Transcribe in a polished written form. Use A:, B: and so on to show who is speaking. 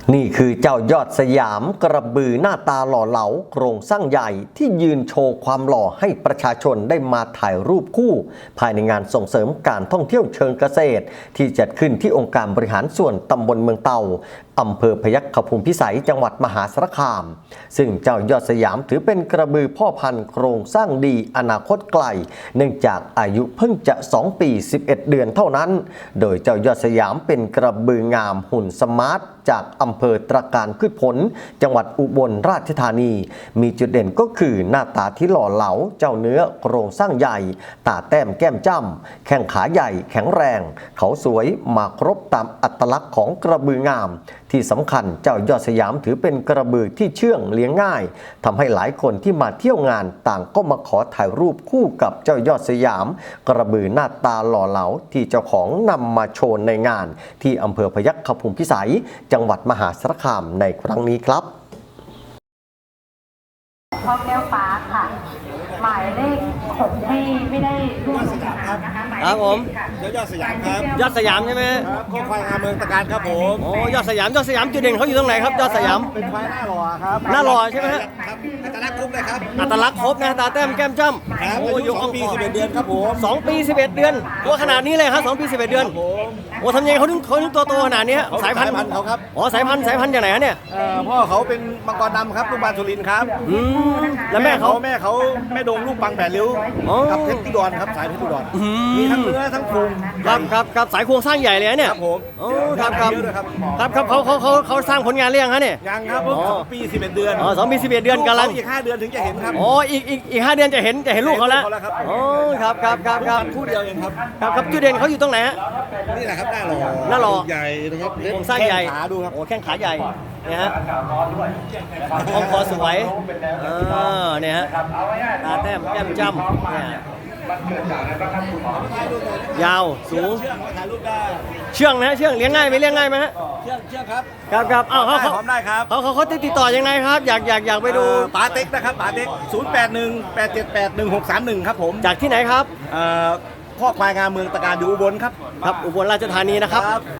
A: นี่คือเจ้ายอดสยามกระบือหน้าตาหล่อเหลาโครงสร้างใหญ่ที่ยืนโชว์ความหล่อให้ประชาชนได้มาถ่ายรูปคู่ภายในงานส่งเสริมการท่องเที่ยวเชิงเกษตรที่จัดขึ้นที่องค์การบริหารส่วนตำบลเมืองเต่าอำเภอพยัคฆภูมิพิสัยจังหวัดมหาสารคามซึ่งเจ้ายอดสยามถือเป็นกระบือพ่อพันธุ์โครงสร้างดีอนาคตไกลเนื่องจากอายุเพิ่งจะ2 ปี 11 เดือนเท่านั้นโดยเจ้ายอดสยามเป็นกระบืองามหุ่นสมาร์ทจากอำเภอตราการพืชผลจังหวัดอุบลราชธานีมีจุดเด่นก็คือหน้าตาที่หล่อเหลาเจ้าเนื้อโครงสร้างใหญ่ตาแต้มแก้มจ้ำแข้งขาใหญ่แข็งแรงเขาสวยมาครบตามอัตลักษณ์ของกระบืองามที่สำคัญเจ้ายอดสยามถือเป็นกระบือที่เชื่องเลี้ยงง่ายทำให้หลายคนที่มาเที่ยวงานต่างก็มาขอถ่ายรูปคู่กับเจ้ายอดสยามกระบือหน้าตาหล่อเหลาที่เจ้าของนำมาโชว์ในงานที่อำเภอพยัคฆภูมิพิสัยจังหวัดมหาสารคามในครั้งนี้ครับ
B: พ่อแก้วฟ้าค่ะหมายเลข6ที่ไม่ได้ร่วมลงนามนะคะ
C: ครับผม
D: ยอดสยามครับ
C: ยอดสยามใช่ไหม
D: ครับโคควายงามเมืองตะการครับผม
C: โอ้ยอดสยามจุดเด่นเขาอยู่ตรงไหนครับยอดสยาม
D: เป็นควายหน้าหล่อครับ
C: หน้าหล่อใช่ไหมฮะ
D: ครับอัตลักษณ์ครบเลยครับ
C: อัตลักษณ์ครบนะตาแต้มแก้มจ้ำ
D: ครับ
C: โอ้
D: อายุ2 ปี 11 เดือนครับผม
C: 2 ปี 11 เดือนตัวขนาดนี้เลยครับ2 ปี 11 เดือนโอ้ทำยังไงเขาถึงตัวโตขนาดนี้สายพันธุ์
D: เขาครับ
C: อ๋อสายพันธุ์จากไหนเนี่ย
D: พ่อเขาเป็นมังกรดำครับลูกบาลสุรินทร์ครับ
C: แล้วแม่เขา
D: แม่ดงลูกปังแปดริ้วกับเพชรตุดรครับสายเพชรตุดรมีทั้งเนื้อทั้งโครง
C: ครับสายโครงสร้างใหญ่เลยเนี่ย
D: ครับผม
C: โอ้ครับเขาสร้างผลงานเรื่องฮะเนี่ย
D: ยังครับผม2 ปี 11 เดือน
C: อ๋อ2 ปี 11 เดือนกำลัง
D: อีก5 เดือนถึงจะเห็นครับ
C: อ๋ออีก5 เดือนจะเห็นลูกเขาแล้วอ๋อครับ
D: คู่เดียวเองครับ
C: ครับจุดเด่นเขาอยู่ตรงไหนฮะ
D: นี่แหละครับหน้าหล่อ
C: ใหญ่
D: นะครับ
C: โครงสร้างใหญ่
D: ขาดูครับ
C: โอ้แข้งขาใหญ่เนี่ยฮะคอสวยเนี่ยฮะตาแต้มแก้มจ้ำเนี่ยยาวสูงเชื่องนะเชื่องเลี้ยงง่ายไหมเลี้ยงง่ายไหมฮะ
D: เชื่องครับ
C: ครับอ้าวเขา
D: พร้อมได้ครับ
C: เขาติดต่อยังไงครับอยากไปดู
D: ป๋าเต็กนะครับป๋าเต็ก0818781631ครับผม
C: จากที่ไหนครับ
D: ข้อควายงามเมืองตะการอยู่อุบลครับ
C: อุบลราชธานีนะครับ